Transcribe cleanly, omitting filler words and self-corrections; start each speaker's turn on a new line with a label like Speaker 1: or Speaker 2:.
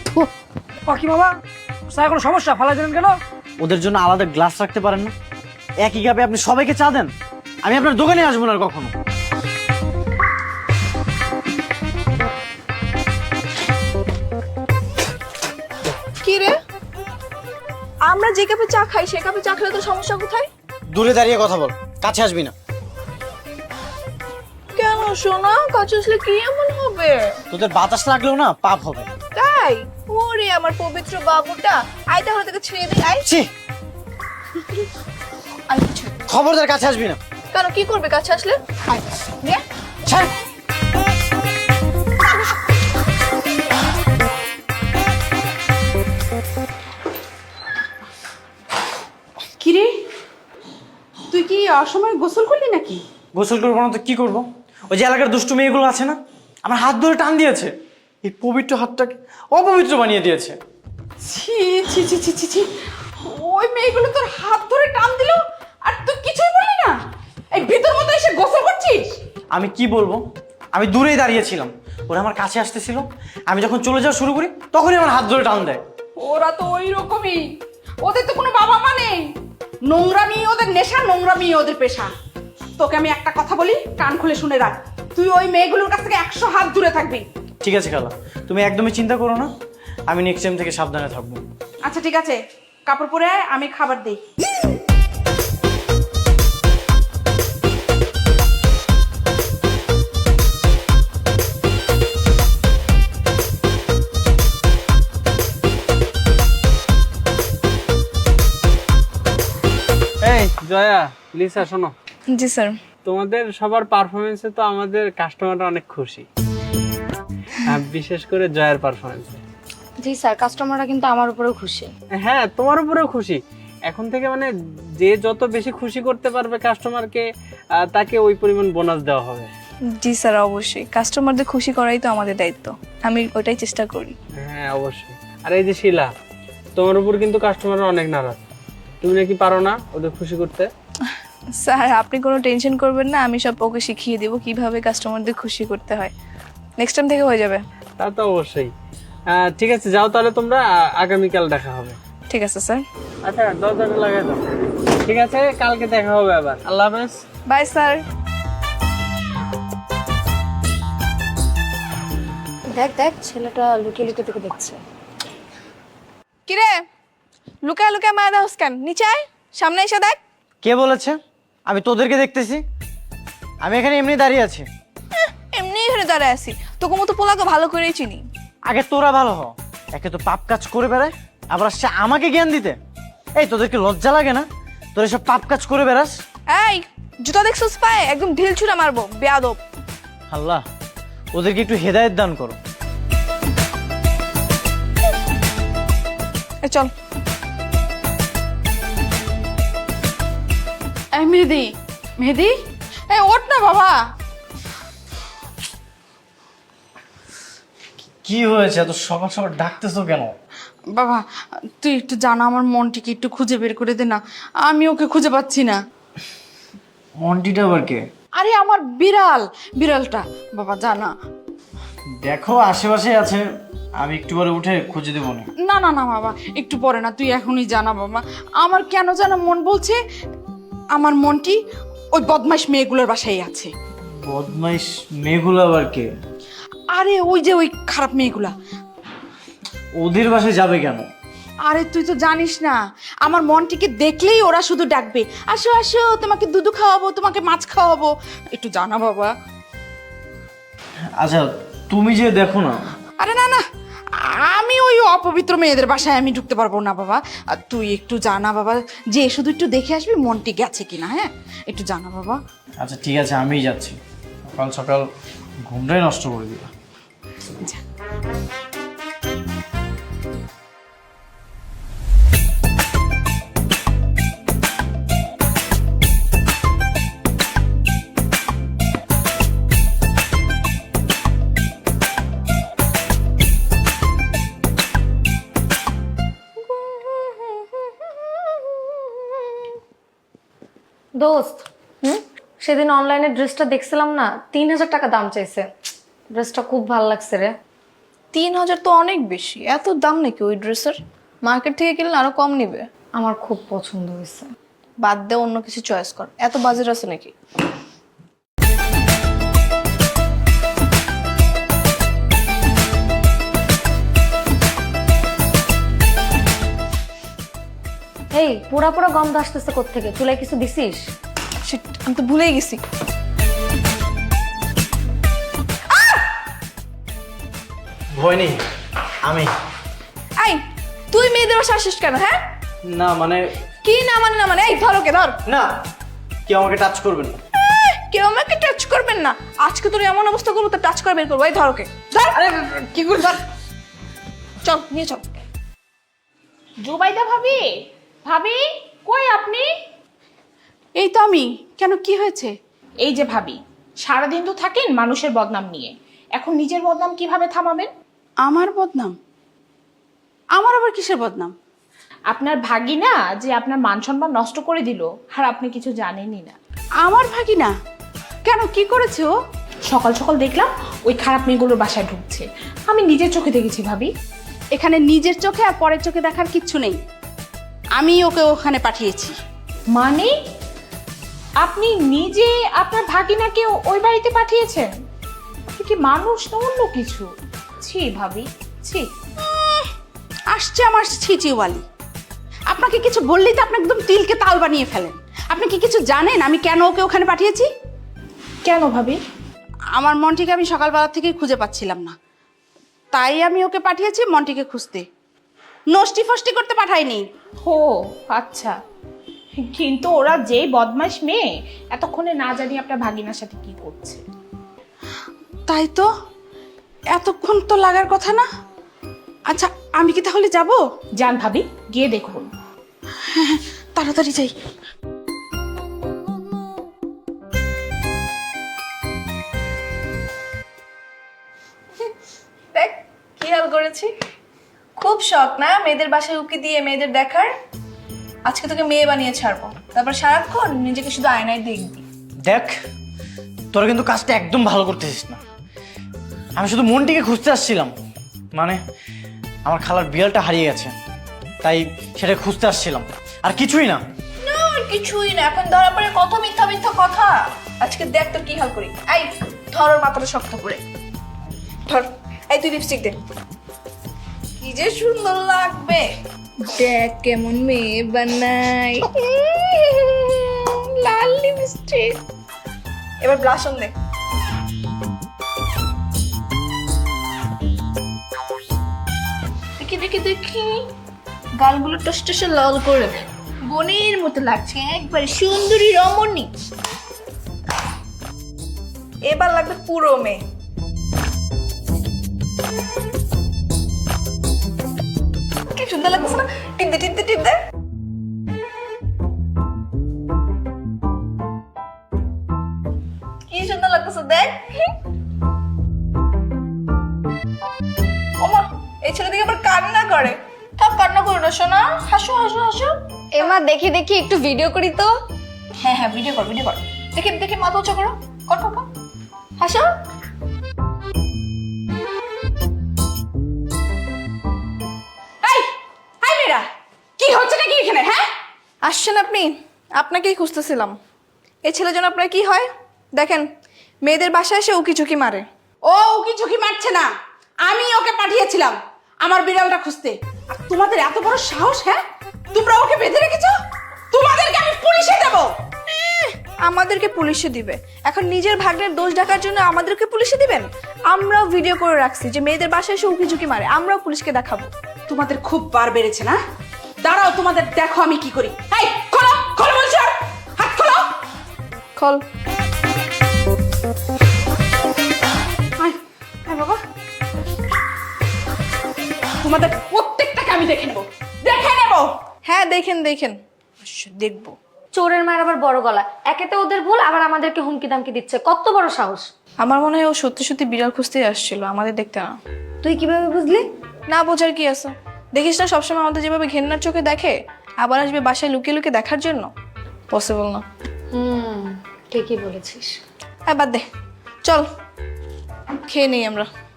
Speaker 1: কি বাবা স্যার কোনো সমস্যা ফালা দিলেন কেন?
Speaker 2: ওদের জন্য আলাদা গ্লাস রাখতে পারেন না? একই কাপে আপনি সবাইকে চা দেন। আমি আপনার দোকানে আসবো না আর কখনো।
Speaker 3: কি রে, আমরা যে কাপে চা খাই সে কাপে চা খেলে তো সমস্যা কোথায়?
Speaker 2: দূরে দাঁড়িয়ে কথা বল, কাছে আসবি না।
Speaker 3: কেন সোনা, কাছে আসলে কি এমন হবে?
Speaker 2: তোদের বাতাস লাগলেও না পাপ হবে।
Speaker 3: তাই? ওরে আমার পবিত্র বাবুটা, আয় তাহলে তোকে ছেড়ে দিই। আয়
Speaker 2: ছি,
Speaker 3: আয় কিছু।
Speaker 2: খবরদার কাছে আসবি না।
Speaker 3: কেন, কি করবে কাছে আসলে? আয় নে।
Speaker 2: ছাড়।
Speaker 4: কিরে, তুই কি অসময়ে গোসল করলি নাকি?
Speaker 2: গোসল করবো না তো কি করবো? ওই যে এলাকার দুষ্টু মেয়েগুলো আছে না, আমার হাত ধরে টান দিয়েছে, এই পবিত্র হাতটাকে অপবিত্র বানিয়ে দিয়েছে।
Speaker 4: ছি ছি ছি ছি ছি ছি, ওই মেয়েগুলো তোর হাত ধরে টান দিল আর তুই কিছুই বললি না? এই ভিতর মতো এসে গোসল করছিস?
Speaker 2: আমি কি বলবো, আমি দূরেই দাঁড়িয়েছিলাম, ওরা আমার কাছে আসতেছিল, আমি যখন চলে যাওয়া শুরু করি তখনই আমার হাত ধরে টান দেয়।
Speaker 4: ওরা তো ওই রকমই, ওদের তো কোনো বাবা মা নেই। নোংরামি ওদের নেশা, নোংরামি ওদের পেশা। তোকে আমি একটা কথা বলি, কান খুলে শুনে রাখ, তুই ওই মেয়েগুলোর কাছ থেকে 100 হাত দূরে থাকবি।
Speaker 2: ঠিক আছে খালা, তুমি একদমই চিন্তা করো না, আমি নেক্সট টাইম থেকে সাবধানে থাকবো।
Speaker 4: আচ্ছা ঠিক আছে, কাপড় পরে আয়, আমি খাবার দিই।
Speaker 5: এই জয়া, লিসা শোনো,
Speaker 3: জি স্যার।
Speaker 5: তোমাদের সবার পারফরমেন্সে তো আমাদের কাস্টমাররা অনেক খুশি, বিশেষ করে জয়ার পারফরমেন্সে।
Speaker 6: জি স্যার, কাস্টমাররা কিন্তু আমার উপরেও খুশি।
Speaker 5: হ্যাঁ, তোমার উপরেও খুশি। এখন থেকে মানে যে যত বেশি খুশি করতে পারবে কাস্টমারকে, তাকে ওই পরিমাণ বোনাস দেওয়া হবে।
Speaker 3: জি স্যার, অবশ্যই কাস্টমারদের খুশি করাই তো আমাদের দায়িত্ব, আমি ওইটাই চেষ্টা করি।
Speaker 5: হ্যাঁ অবশ্যই। আর এই যে শিলা, তোমার উপর কিন্তু কাস্টমাররা অনেক নারাজ, তুমি নাকি পারো না ওদের খুশি করতে।
Speaker 3: স্যার আপনি কোনো টেনশন করবেন না, আমি সব ওকে শিখিয়ে দেবো কিভাবে কাস্টমারদের খুশি করতে হয়। নেক্সট টাইম থেকে হয়ে যাবে।
Speaker 5: তা তো অবশ্যই। ঠিক আছে, যাও তাহলে তোমরা, আগামীকাল দেখা হবে।
Speaker 3: ঠিক আছে স্যার।
Speaker 5: আচ্ছা, দরজাটা লাগাই দাও। ঠিক আছে, কালকে দেখা হবে আবার। আল্লাহ হাফেজ।
Speaker 3: Bye sir.
Speaker 6: দেখ দেখ, ছেলেটা লুকিয়ে লুকিয়ে তোকে দেখছে।
Speaker 3: কিরে, লুকায় লুকায় মায়া দাও কেন? নিচে আয়, সামনে এসে দেখ।
Speaker 2: কে বলেছে আমি তোদেরকে দেখতেছি? আমি এখানে এমনি দাঁড়িয়ে আছি।
Speaker 3: এমনি এখানে দাঁড়ায় আছি, তোকে মতো পোলাকে ভালো করেই চিনি।
Speaker 2: আগে তোরা ভালো হ, একে তো পাপ কাজ করে বেড়ায়, আবার আসছে আমাকে জ্ঞান দিতে। এই তোদেরকে লজ্জা লাগে না? তোর এসব পাপ কাজ করে বেড়াস।
Speaker 3: এই জুতা দেখছিস পায়ে, একদম ঢিল ছুঁড়ে মারবো, বেয়াদব।
Speaker 2: আল্লাহ ওদেরকে একটু হেদায়েত দান করো।
Speaker 3: চল।
Speaker 4: এই মেহেদি, মেহেদি, এই ওঠ না বাবা।
Speaker 2: কি হয়েছে, এত সকাল সকাল ডাকতেছো কেন?
Speaker 4: বাবা তুই একটু জানা, আমার মনটিকে একটু খুঁজে বের করে দে না, আমি ওকে খুঁজে পাচ্ছি না।
Speaker 2: মন্টিটা আবার কে?
Speaker 4: আরে আমার বিড়াল, বিড়ালটা বাবা জানা।
Speaker 2: দেখো আশেপাশে আছে, আমি একটু পরে উঠে খুঁজে দেবো না।
Speaker 4: না না না বাবা, একটু পরে না, তুই এখনই জানা বাবা। আমার কেন জানা মন বলছে আমার মনটি ওই বদমাইশ মেয়েগুলোর বাসায় আছে।
Speaker 2: বদমাইশ মেয়েগুলো আবার কে?
Speaker 4: আরে ওই যে ওই খারাপ মেয়েগুলা।
Speaker 2: ওদের বাসায় যাবে কেন?
Speaker 4: আরে তুই তো জানিস না, আমার মনটিকে দেখলেই ওরা শুধু ডাকবে, আসো আসো তোমাকে দুধু খাওয়াবো, তোমাকে মাছ খাওয়াবো, একটু জানা বাবা।
Speaker 2: আচ্ছা তুমি যে দেখো না।
Speaker 4: আরে না না, আমি ওই অপবিত্র মেয়েদের বাসায় আমি ঢুকতে পারবো না বাবা। আর তুই একটু জানা বাবা, যে শুধু একটু দেখে আসবি মনটি গেছে কিনা। হ্যাঁ একটু জানা বাবা।
Speaker 2: আচ্ছা ঠিক আছে, আমিই যাচ্ছি। সকাল সকাল ঘুমটাই নষ্ট করে দিলা।
Speaker 6: দোস্ত, সেদিন অনলাইনে ড্রেসটা দেখছিলাম না, 3000 টাকা দাম চাইছে। ড্রেসটা খুব ভালো লাগছে রে।
Speaker 3: 3,000 তো অনেক বেশি, এত দাম নাকি ওই ড্রেসের? মার্কেট থেকে কিনলে আরো কম নিবে।
Speaker 6: আমার খুব পছন্দ হয়েছে।
Speaker 3: বাদ দে, অন্য কিছু চয়েস কর, এত বাজেট আছে নাকি?
Speaker 6: এই পোড়া পোড়া গন্ধ আসতেছে কোত্থেকে? চুলায় কিছু দিছিস?
Speaker 3: Shit, আমি তো ভুলেই গেছি।
Speaker 2: ভয় নেই, আমি।
Speaker 3: আই, তুই মেয়েদের বাসা আসিস কেন? হ্যাঁ,
Speaker 2: না মানে
Speaker 3: কি না মানে? না মানে এই ধর ওকে, ধর।
Speaker 2: না, কেউ আমাকে টাচ করবেন না।
Speaker 3: কেউ আমাকে টাচ করবেন না। আজকে তোর এমন অবস্থা করবো, তো টাচ করে বের করবো। এই ধর ওকে, ধর।
Speaker 4: আরে কি করে
Speaker 3: ধর। চল নিয়ে চল।
Speaker 7: জুবাইদা ভাবি, ভাবি কই আপনি?
Speaker 4: এই তো আমি। কেন, কি হয়েছে?
Speaker 7: এই যে ভাবি, সারাদিন তো থাকেন মানুষের বদনাম নিয়ে, এখন নিজের বদনাম কিভাবে থামাবেন?
Speaker 4: আমার বদনাম? আমার আবার কিসের বদনাম?
Speaker 7: আপনার ভাগিনা যে আপনার মান সম্মান নষ্ট করে দিল, আর আপনি কিছু জানেনই না।
Speaker 4: আমার ভাগিনা? কেন, কি করেছে ও?
Speaker 7: সকাল সকাল দেখলাম ওই খারাপ মেয়েগুলোর বাসায় ঢুকছে। আমি নিজের চোখে দেখেছি ভাবি।
Speaker 4: এখানে নিজের চোখে আর পরের চোখে দেখার কিচ্ছু নেই। আমি ওকে ওখানে পাঠিয়েছি।
Speaker 7: মানে আপনি নিজে আপনার ভাগিনাকে ওই বাড়িতে পাঠিয়েছেন? আপনি কি মানুষ না অন্য কিছু? ছি ভাবি, ছি।
Speaker 4: আসছে আমার ছিচিওয়ালি। আপনাকে কিছু বললেই তো আপনি একদম তিলকে তাল বানিয়ে ফেলেন। আপনি কি কিছু জানেন আমি কেন ওকে ওখানে পাঠিয়েছি?
Speaker 7: কেন ভাবি?
Speaker 4: আমার মন্টিকে আমি সকালবেলা থেকেই খুঁজে পাচ্ছিলাম না, তাই আমি ওকে পাঠিয়েছি মন্টিকে খুঁজতে। নষ্টি ফষ্টি করতে পাঠাইনি।
Speaker 7: ও আচ্ছা, কিন্তু ওরা যে বদমাশ মেয়ে, এতক্ষণে না জানি আপনার ভাগিনার সাথে কি করছে।
Speaker 4: তাই তো, এতক্ষণ তো লাগার কথা না। আচ্ছা, আমি কি তাহলে যাব?
Speaker 7: যান ভাবি, গিয়ে দেখুন।
Speaker 4: তাড়াতাড়ি যাই।
Speaker 3: দেখ কি হাল করেছি। খুব শখ না মেয়েদের বাসায় উকি দিয়ে মেয়েদের দেখার? আজকে তোকে মেয়ে বানিয়ে ছাড়বো, তারপর সারাক্ষণ নিজেকে শুধু আয়নায় দেখবি।
Speaker 2: দেখ, তোরা কিন্তু কাজটা একদম ভালো করতেছিস না। আমি শুধু মনটিকে খুঁজতে আসছিলাম, মানে আমার খালার বিড়ালটা হারিয়ে গেছে, তাই সেটা খুঁজতে আসছিলাম, আর কিছুই না।
Speaker 3: না আর কিছুই না, এখন ধরা পড়ে কত মিথ্যা মিথ্যা কথা। আজকে দেখ তোর কি হাল করি। এই ধর ওর মাথাটা শক্ত করে ধর। এই তুই লিপস্টিক দে, কি যে সুন্দর লাগবে। দেখ কেমন মেয়ে বানাই, লাল লিপস্টিক। এবার ব্লাশ অন দে। দেখি দেখি দেখি, গালগুলো টস টসে লাল করে দে। বনের মতো লাগছে, একবারে সুন্দরী রমণী। এবার লাগবে পুরো মেয়ে। কি সুন্দর লাগছে না? টিপ দে টিপ দে টিপ দে। কি সুন্দর লাগছে দেখ। ওমা, এই ছেলে দিকে আবার কান্না করে। থাক কান্না করো না সোনা, হাসো হাসো হাসো।
Speaker 6: এমা দেখি দেখি একটু ভিডিও করি তো।
Speaker 3: হ্যাঁ হ্যাঁ, ভিডিও কর ভিডিও কর। দেখি দেখি মাথা উঁচু করো, কর কর কর, হাসো।
Speaker 4: এই হাই মেয়েরা, কি হচ্ছে নাকি এখানে? হ্যাঁ,
Speaker 3: আসছেন আপনি? আপনাকেই খুঁজতেছিলাম। এই ছেলের জন্য আপনার কি হয় দেখেন, মেয়েদের বাসায় এসে উকি ঝুঁকি মারে।
Speaker 4: ও উকি ঝুঁকি মারছে না, আমি ওকে পাঠিয়েছিলাম আমার বিড়ালটা খুঁজতে। আর তোমাদের এত বড় সাহস! হ্যাঁ, তোমরা ওকে বেঁধে রেখেছো। তোমাদেরকে আমি পুলিশে দেব।
Speaker 3: আমাদেরকে পুলিশে দিবে? এখন নিজের ভাগ্নের দোষ ঢাকার জন্য আমাদেরকে পুলিশে দিবেন? আমরাও ভিডিও করে রাখছি যে মেয়েদের বাসায় এসে উকি ঝুঁকি মারে, আমরাও পুলিশকে দেখাবো।
Speaker 4: তোমাদের খুব বার বেড়েছে না? দাঁড়াও, তোমাদের দেখো আমি কি করি। এই খোলো খোলো বলছি, হাত খোলো।
Speaker 3: খল।
Speaker 4: আয় আয় বাবা, তোমাদের প্রত্যেকটাকে আমি দেখে নেব, দেখে নেব।
Speaker 3: হ্যাঁ দেখেন দেখেন, দেখবো।
Speaker 6: চোরের মায়ের আবার বড় গলা, একেতে ওদের ভুল, আবার আমাদেরকে হুমকি দামকি দিচ্ছে। কত বড় সাহস!
Speaker 3: আমার মনে হয় ও সত্যি সত্যি বিড়াল খুঁজতেই আসছিল, আমাদের দেখতে না।
Speaker 6: তুই কিভাবে বুঝলি?
Speaker 3: না বোঝার কি আছে, দেখিস না সবসময় আমাদের যেভাবে ঘেন্নার চোখে দেখে, আবার আসবে বাসায় লুকিয়ে লুকিয়ে দেখার জন্য? পসিবল না।
Speaker 6: ঠিকই বলেছিস।
Speaker 3: বাদ দে, চল খেয়ে নেই আমরা।